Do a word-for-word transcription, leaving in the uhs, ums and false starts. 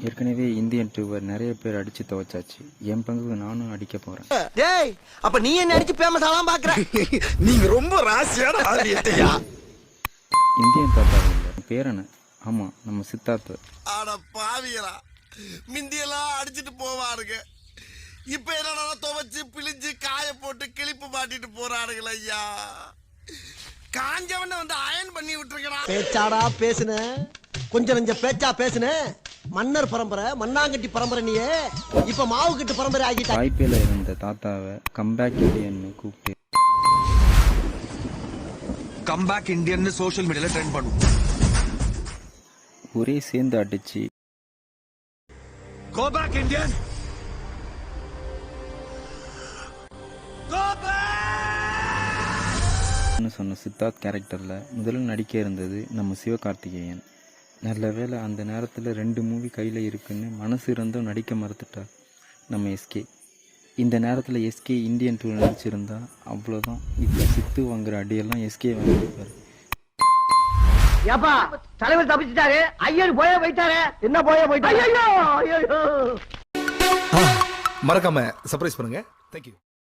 ஏற்கனவே Indian doer நிறைய பேர் அடிச்சு துவைச்சாச்சு. என் பங்குக்கு நானும் அடிக்க போறேன். டேய், அப்ப நீ என்ன அடிச்சு ஃபேமஸ் ஆலாம் பாக்குற? நீங்க ரொம்ப ராசியான ஆதியத்தையா. இந்தியன் தாத்தா இல்ல, பேரன. ஆமா, நம்ம சித்தார்த்த. அட பாவியலா, மிந்தியெல்லாம் அடிச்சிட்டு போவாருங்க. இப்ப என்னடா துவைச்சு பிழிஞ்சு காய போட்டு கிளிப்பு மாட்டிட்டு போறாருங்கள ஐயா. காஞ்சவன வந்து அயன் பண்ணி விட்டுருக்கா. பேச்சாடா பேசுன, கொஞ்சம் நெஞ்ச பேச்சா பேசுன. மன்னர் பரம்பரை, மண்ணாங்கட்டி பரம்பரை. நீயே இப்ப மாவு கட்டு பரம்பரை ஆகிட்ட. வாய்ப்பேல இருந்த தாத்தாவை கம்பேக் இந்தியன்னு கூப்பிட்டு கம்பேக் இந்தியன் சோஷியல் மீடியால ட்ரெண்ட் பண்ணும். ஒரே சேர்ந்து அடிச்சு go back Indian, go back சொன்ன சித்தார்த் கேரக்டர்ல முதல்ல நடிக்க இருந்தது நம்ம சிவகார்த்திகேயன். நல்ல வேளை அந்த நேரத்தில் ரெண்டு மூவி கையில் இருக்குன்னு மனசு இருந்தும் நடிக்க மறுத்துட்டார் நம்ம எஸ்கே. இந்த நேரத்தில் எஸ்கே இந்தியன் டூ நடிச்சிருந்தா அவ்வளோதான். இப்போ சித்து வாங்குற அடியெல்லாம் எஸ்கே வாங்கியிருப்பாரு. ஏப்பா, தலைவர் தப்பிச்சிட்டாரு, ஐயர் போய போயிட்டாரு. என்ன போய போயிட்டாரு? மறக்காம சர்ப்ரைஸ் பண்ணுங்க. தேங்க்யூ.